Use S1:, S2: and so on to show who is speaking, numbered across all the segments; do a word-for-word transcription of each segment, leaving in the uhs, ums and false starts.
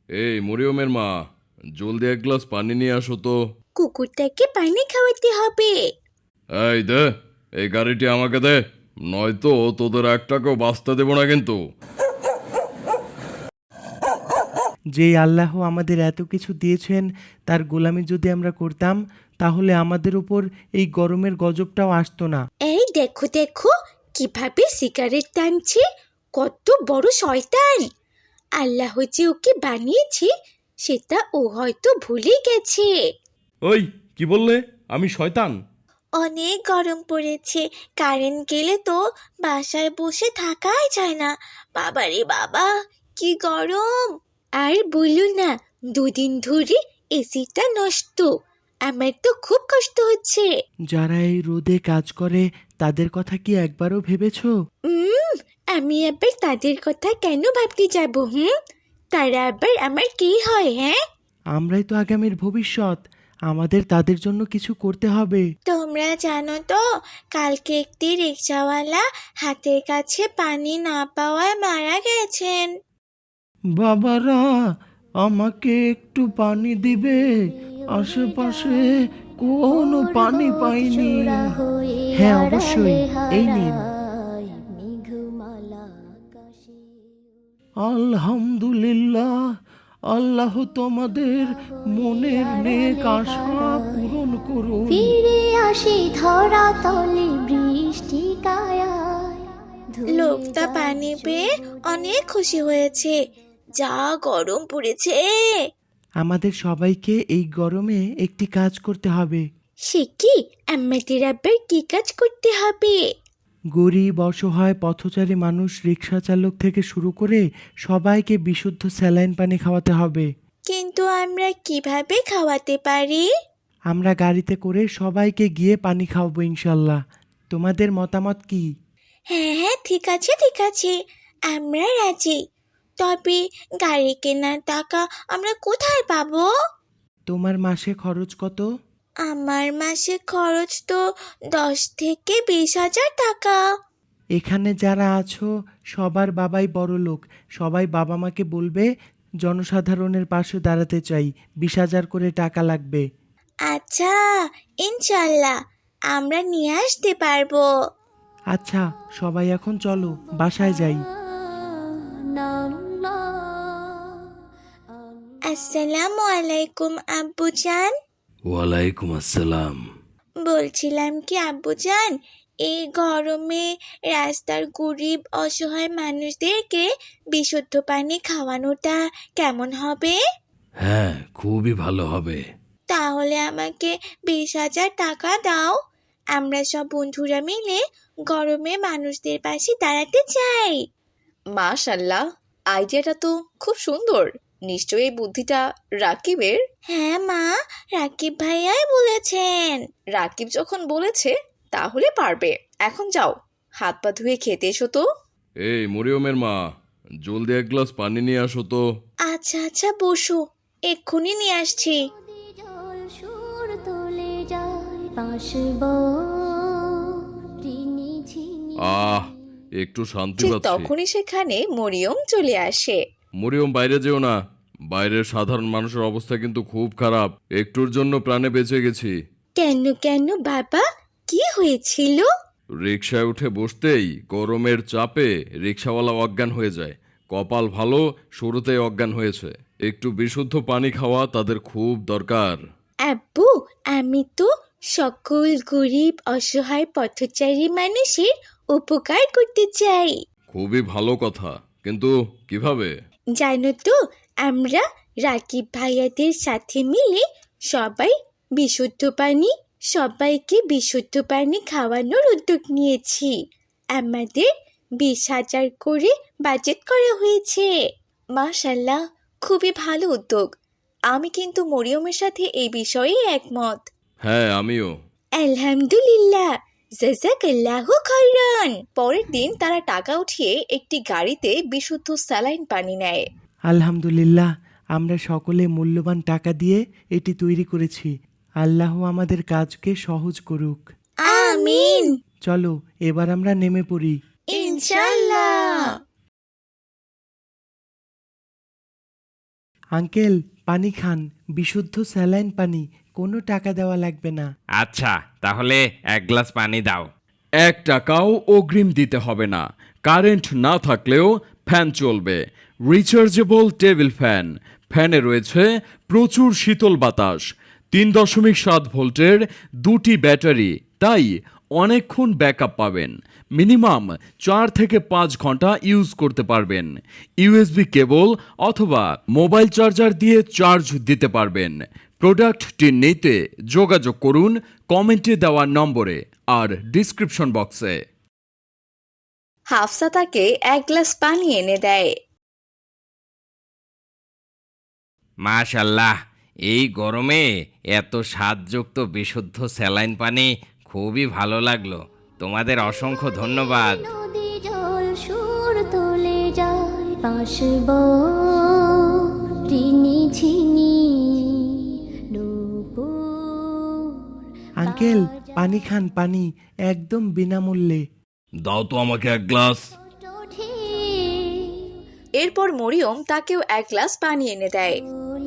S1: এই মরিয়মের মা, জলদি এক গ্লাস পানি নিয়ে আসো তো।
S2: কুকুরটাকে পানি খাওয়াতে হবে।
S1: এই দে, এই গাড়িটি আমাকে দে, নয়তো তোদের এক টাকাও বাঁচতে দেবো না কিন্তু।
S3: যেই আল্লাহ আমাদের এত কিছু দিয়েছেন তার গোলামি যদি আমরা করতাম তাহলে আমাদের উপর এই গরমের গজবটাও আসতো না।
S2: এই দেখো দেখো কিভাবে সিগারেট টানছে, কত বড় শয়তান। আল্লাহ যে ওকে বানিয়েছে সেটা ও হয়তো ভুলে গেছে।
S1: ওই কি বললে, আমি শয়তান?
S2: অনেক গরম পড়েছে, কারেন্ট গেলে তো বাসায় বসে থাকাই যায় না। বাবারে বাবা, কি গরম! আর বললো না, দুদিন ধরে এসিটা নষ্ট। আমার তো খুব কষ্ট হচ্ছে।
S3: যারা এই রোদে কাজ করে তাদের কথা কি একবারও ভেবেছো?
S2: উম আমি আবার তাদের কথা কেন ভাবতে যাব? হুম, তারা আবার আমার কি হয়? হ্যাঁ,
S3: আমরাই তো আগামীর ভবিষ্যৎ, আমাদের তাদের জন্য কিছু করতে হবে।
S2: তোমরা জানো তো, কালকে একটি রিকশাওয়ালা হাতের কাছে পানি না পাওয়ায় মারা গেছেন।
S3: বাবারা, আমাকে একটু পানি দিবে? আশেপাশে কোনো পানি পাইনি। হ্যাঁ অবশ্যই, এই নিন। আলহামদুলিল্লাহ, আল্লাহ তোমাদের মনের নেক আশা পূরণ করুন।
S4: ফিরে আসি ধরা তলে বৃষ্টি কায়ায়।
S2: লোকটা পানি পেয়ে অনেক খুশি হয়েছে। যা গরম পড়েছে!
S3: আমাদের সবাইকে এই গরমে একটি কাজ করতে হবে।
S2: সে কি? আমাদের আবার কি কাজ করতে হবে?
S3: গরিব, অসহায়, পথচারী মানুষ, রিক্সা চালক থেকে শুরু করে সবাইকে বিশুদ্ধ স্যালাইন পানি খাওয়াতে হবে।
S2: কিন্তু আমরা কিভাবে খাওয়াতে পারি?
S3: আমরা গাড়িতে করে সবাইকে গিয়ে পানি খাওয়াবো ইনশাল্লাহ। তোমাদের মতামত কি?
S2: হ্যাঁ হ্যাঁ, ঠিক আছে ঠিক আছে, আমরা রাজি। তবে গাড়ি কেনার টাকা আমরা কোথায় পাবো?
S3: তোমার মাসে খরচ কত?
S2: আমার মাসে খরচ তো দশ থেকে বিশ হাজার টাকা।
S3: এখানে যারা আছো সবার বাবাই বড় লোক, সবাই বাবা মাকে বলবে জনসাধারণের পাশে দাঁড়াতে চাই, বিশ হাজার করে টাকা লাগবে।
S2: আচ্ছা, ইনশাল্লাহ আমরা নিয়ে আসতে পারবো।
S3: আচ্ছা, সবাই এখন চলো বাসায় যাই।
S2: আসসালামু আলাইকুম আব্বুজান।
S1: ওয়ালাইকুম আসসালাম।
S2: বলছিলাম কি আব্বুজান, এই গরমে রাস্তার গরিব অসহায় মানুষদেরকে বিশুদ্ধ পানি খাওয়ানোটা কেমন হবে?
S1: হ্যাঁ, খুবই ভালো হবে।
S2: তাহলে আমাকে বিশ হাজার টাকা দাও। আমরা সব বন্ধুরা মিলে গরমে মানুষদের পাশে দাঁড়াতে চাই।
S5: মাশাল্লাহ, আইডিয়াটা তো খুব সুন্দর। নিশ্চয়ই এই বুদ্ধিটা রাকিবের।
S2: হ্যাঁ মা, রাকিব ভাইয়াই বলেছেন।
S5: রাকিব যখন বলেছে তাহলে পারবে। এখন যাও, হাত পা ধুয়ে খেতে এসো তো।
S1: এই মরিয়মের মা, জলদি এক গ্লাস পানি নিয়ে আসো তো।
S2: আচ্ছা আচ্ছা, বসো, এক্ষুনি নিয়ে আসছি।
S4: জল সুর তুলে যায় পাশব রিনি ঝিনি।
S1: আহ, একটু শান্তি
S5: ঠিক
S1: পাচ্ছি।
S5: তখনই সেখানে মরিয়ম চলে আসে।
S1: মরিয়ম, বাইরে যেও না, বাইরের সাধারণ মানুষের অবস্থা কিন্তু খুব খারাপ। একটুর জন্য প্রাণে বেঁচে গেছি।
S2: কেন কেন বাবা, কি হয়েছিল?
S1: রিকশায় উঠে বসতেই গরমের চাপে রিকশাওয়ালা অজ্ঞান হয়ে যায়। কপাল ভালো, শুরুতেই অজ্ঞান হয়েছে। একটু বিশুদ্ধ পানি খাওয়া তাদের খুব দরকার।
S2: আব্বু, আমি তো সকল গরিব অসহায় পথচারী মানুষের উপকার করতে চাই।
S1: খুবই ভালো কথা, কিন্তু কিভাবে?
S2: জানো তো, আমরা রাকিব ভাইয়াদের সাথে মিলে সবাই বিশুদ্ধ পানি সবাইকে বিশুদ্ধ পানি খাওয়ানোর উদ্যোগ নিয়েছি। আমাদের বিশ হাজার করে বাজেট করা হয়েছে।
S5: মাশাল্লাহ, খুবই ভালো উদ্যোগ। আমি কিন্তু মরিয়মের সাথে এই বিষয়ে একমত।
S1: হ্যাঁ, আমিও।
S2: আলহামদুলিল্লাহ, জাযাকাল্লাহু খাইরান।
S5: পরের দিন তারা টাকা উঠিয়ে একটি গাড়িতে বিশুদ্ধ স্যালাইন পানি নেয়।
S3: আলহামদুলিল্লাহ, আমরা সকলে মূল্যবান টাকা দিয়ে এটি তৈরি করেছি। আল্লাহ আমাদের কাজকে সহজ করুক।
S2: আমিন।
S3: চলো এবার আমরা নেমে পড়ি।
S2: ইনশাল্লাহ।
S3: আঙ্কেল পানি খান, বিশুদ্ধ স্যালাইন পানি, কোনো টাকা দেওয়া লাগবে না।
S6: আচ্ছা, তাহলে এক গ্লাস পানি দাও।
S1: এক টাকাও অগ্রিম দিতে হবে না। কারেন্ট না থাকলেও ফ্যান চলবে। Rechargeable table fan. ফ্যানে রয়েছে প্রচুর শীতল বাতাস। তিন দশমিক সাত ভোল্টের দুটি ব্যাটারি, তাই অনেকক্ষণ ব্যাকআপ পাবেন। মিনিমাম চার থেকে পাঁচ ঘন্টা ইউজ করতে পারবেন। ইউএসবি কেবল অথবা মোবাইল চার্জার দিয়ে চার্জ দিতে পারবেন। প্রোডাক্টটি নিতে যোগাযোগ করুন কমেন্টে দেওয়া নম্বরে আর ডিসক্রিপশন বক্সে।
S5: হাফসা তাকে এক গ্লাস পানি এনে দেয়।
S6: মাশাল্লাহ, এই গরমে এত স্বাদযুক্ত বিশুদ্ধ স্যালাইন পানি খুবই ভালো লাগলো। তোমাদের অসংখ্য ধন্যবাদ।
S4: নদী জল সুর তোলে যায় পাশব ঋণী ঝিনি নূপুর
S3: আঙ্কেল পানি খান, পানি একদম বিনামূল্যে।
S1: দাও তো আমাকে এক গ্লাস।
S5: এরপর মরিয়ম তাকেও এক গ্লাস পানি এনে দেয়।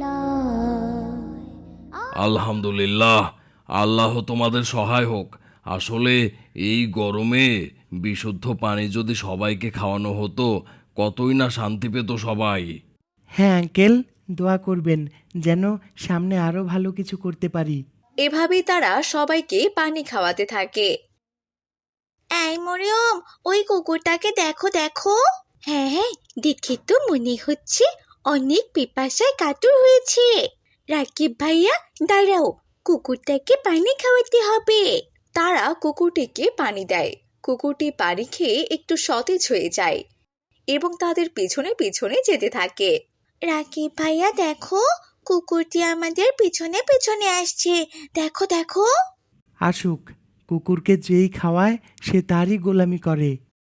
S1: আলহামদুলিল্লাহ, আল্লাহ তোমাদের সহায় হোক। আসলে এই গরমে বিশুদ্ধ পানি যদি সবাইকে খাওয়ানো হতো, কতই না শান্তি পেত সবাই।
S3: হ্যাঁ আঙ্কেল, দোয়া করবেন যেন সামনে আরো ভালো কিছু করতে পারি।
S5: এভাবেই তারা সবাইকে পানি খাওয়াতে থাকে।
S2: এই মরিয়ম, ওই কুকুরটাকে দেখো দেখো। হ্যাঁ হ্যাঁ, দেখে তো মনে হচ্ছে অনেক পিপাসায় কাতর হয়েছে। রাকিব ভাইয়া দাঁড়াও, কুকুরটাকে পানি খাওয়াতে হবে।
S5: তারা কুকুরটিকে পানি দেয়। কুকুরটি পানি খেয়ে একটু সতেজ হয়ে যায় এবং তাদের পিছনে পিছনে যেতে থাকে।
S2: রাকিব ভাইয়া দেখো, কুকুরটি আমাদের পিছনে পিছনে আসছে, দেখো দেখো।
S3: আসুক, কুকুরকে যেই খাওয়ায় সে তারই গোলামি করে।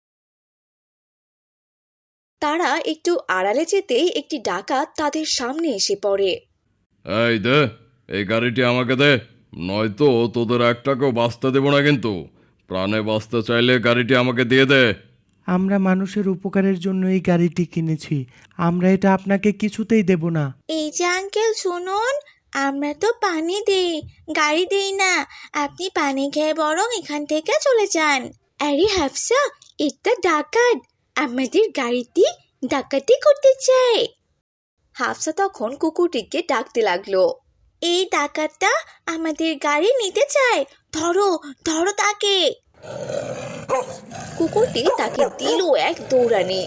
S5: তারা একটু আড়ালে যেতেই একটি ডাকাত তাদের সামনে এসে পড়ে।
S1: এই দে, এই গাড়িটি আমাকে দে, নয়তো তোদের এক টাকাও বাঁচতে দেবো না কিন্তু। প্রাণে বাঁচতে চাইলে গাড়িটি আমাকে দিয়ে দে।
S3: আমরা মানুষের উপকারের জন্য এই গাড়িটি কিনেছি, আমরা এটা আপনাকে কিছুতেই দেব না।
S2: এই যে আঙ্কেল শুনুন, আমরা তো পানি দেই, গাড়ি দেই না। আপনি পানি খেয়ে বরং এখান থেকে চলে যান। আরে হাফসা, এটা ডাকাত, আমাদের গাড়িটি ডাকাতি করতে চায়।
S5: হাফসা তখন কুকুরটিকে ডাকতে লাগলো।
S2: এই ডাকাতটা আমাদের গাড়ি নিতে চায়, ধরো ধরো তাকে।
S5: কুকুরটি তাকে দিল এক দৌড়ানি।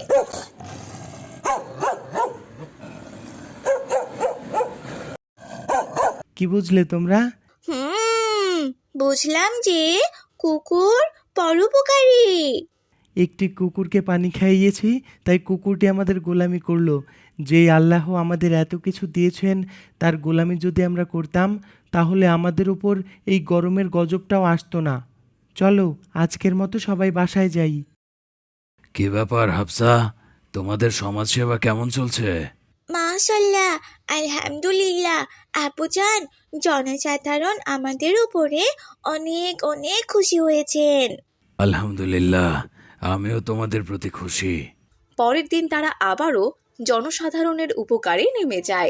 S3: কি বুঝলে তোমরা?
S2: হুম, বুঝলাম যে কুকুর পরোপকারী।
S3: একটি কুকুরকে পানি খাইয়েছি, তাই কুকুরটি আমাদের গোলামি করলো। যেই আল্লাহ আমাদের এত কিছু দিয়েছেন, তার গোলামি যদি আমরা করতাম, তাহলে আমাদের উপর এই গরমের গজবটাও আসতো না। চলো আজকের মতো সবাই বাসায় যাই।
S1: কি ব্যাপার হাফসা, তোমাদের সমাজসেবা কেমন চলছে?
S2: মাশাল্লাহ, আলহামদুলিল্লাহ। আপুজান, জনসাধারণ আমাদের উপরে অনেক অনেক খুশি হয়েছেন।
S1: আলহামদুলিল্লাহ, আমিও তোমাদের প্রতি খুশি।
S5: পরের দিন তারা আবারও জনসাধারণের উপকারে নেমে যায়।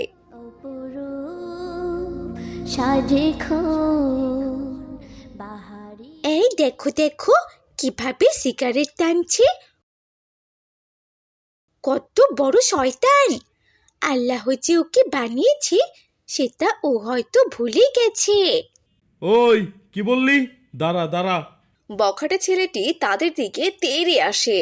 S4: অপরূপ সাজে বাহারি
S2: এই দেখো দেখো, কিভাবে সিগারেট টানছে, কত বড় শয়তান। আল্লাহ যে ওকে বানিয়েছে সেটা ও হয়তো ভুলে গেছে।
S1: ওই কি বললি? দাঁড়া দাঁড়া।
S5: বখাটে ছেলেটি তাদের দিকে তেড়ে আসে।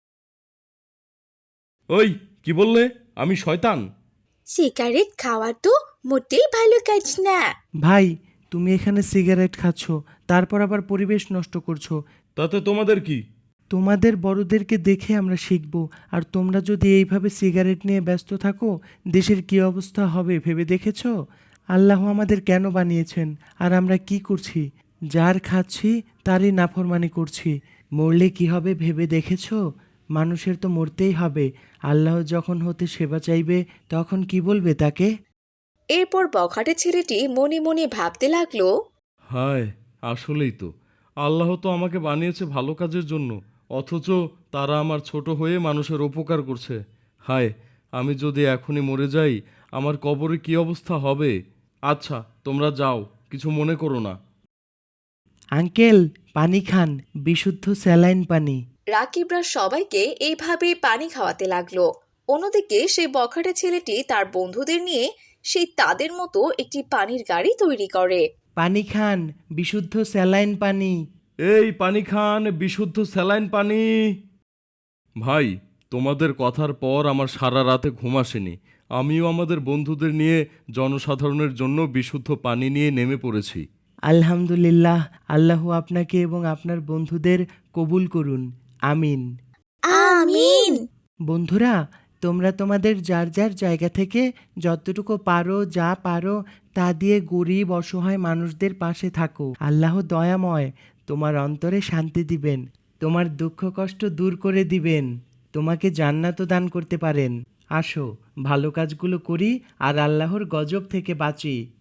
S1: ওই কি বললে? আমি শয়তান?
S2: সিগারেট খাওয়া তো মোটেই ভালো কাজ না।
S3: ভাই, তুমি এখানে সিগারেট খাচ্ছ, তারপর আবার পরিবেশ নষ্ট করছো।
S1: তাতে তোমাদের কি?
S3: তোমাদের বড়দেরকে দেখে আমরা শিখব, আর তোমরা যদি এইভাবে সিগারেট নিয়ে ব্যস্ত থাকো, দেশের কি অবস্থা হবে ভেবে দেখেছ? আল্লাহ আমাদের কেন বানিয়েছেন, আর আমরা কি করছি? যার খাচ্ছি তারই নাফরমানি করছি। মরলে কি হবে ভেবে দেখেছ? মানুষের তো মরতেই হবে। আল্লাহ যখন হতে সেবা চাইবে তখন কি বলবে তাকে?
S5: এরপর বখাটে ছেলেটি মনে মনে ভাবতে লাগলো,
S1: হায়, আসলেই তো আল্লাহ তো আমাকে বানিয়েছে ভালো কাজের জন্য, অথচ তারা আমার ছোট হয়ে মানুষের উপকার করছে। হায়, আমি যদি এখনই মরে যাই,
S7: আমার কবরে কি অবস্থা হবে। আচ্ছা তোমরা যাও, কিছু মনে করো না।
S3: আঙ্কেল, পানি খান, বিশুদ্ধ স্যালাইন পানি।
S5: রাকিবরা সবাইকে এইভাবে পানি খাওয়াতে লাগলো। অন্যদিকে সেই বখাটে ছেলেটি তার বন্ধুদের নিয়ে সেই তাদের মতো একটি পানির গাড়ি তৈরি করে।
S3: পানি খান, বিশুদ্ধ স্যালাইন পানি।
S7: এই পানি খান, বিশুদ্ধ স্যালাইন পানি। ভাই, তোমাদের কথার পর আমার সারা রাতে ঘুম আসেনি। আমিও আমাদের বন্ধুদের নিয়ে জনসাধারণের জন্য বিশুদ্ধ পানি নিয়ে নেমে পড়েছি।
S3: আলহামদুলিল্লাহ, আল্লাহ আপনাকে এবং আপনার বন্ধুদের কবুল করুন, আমিন।
S2: আমিন।
S3: বন্ধুরা, তোমরা তোমাদের যার যার জায়গা থেকে যতটুকু পারো, যা পারো তা দিয়ে গরিব অসহায় মানুষদের পাশে থাকো। আল্লাহ দয়াময়, তোমার অন্তরে শান্তি দিবেন, তোমার দুঃখ কষ্ট দূর করে দিবেন, তোমাকে জান্নাতও দান করতে পারেন। আসো, ভালো কাজগুলো করি আর আল্লাহর গজব থেকে বাঁচি।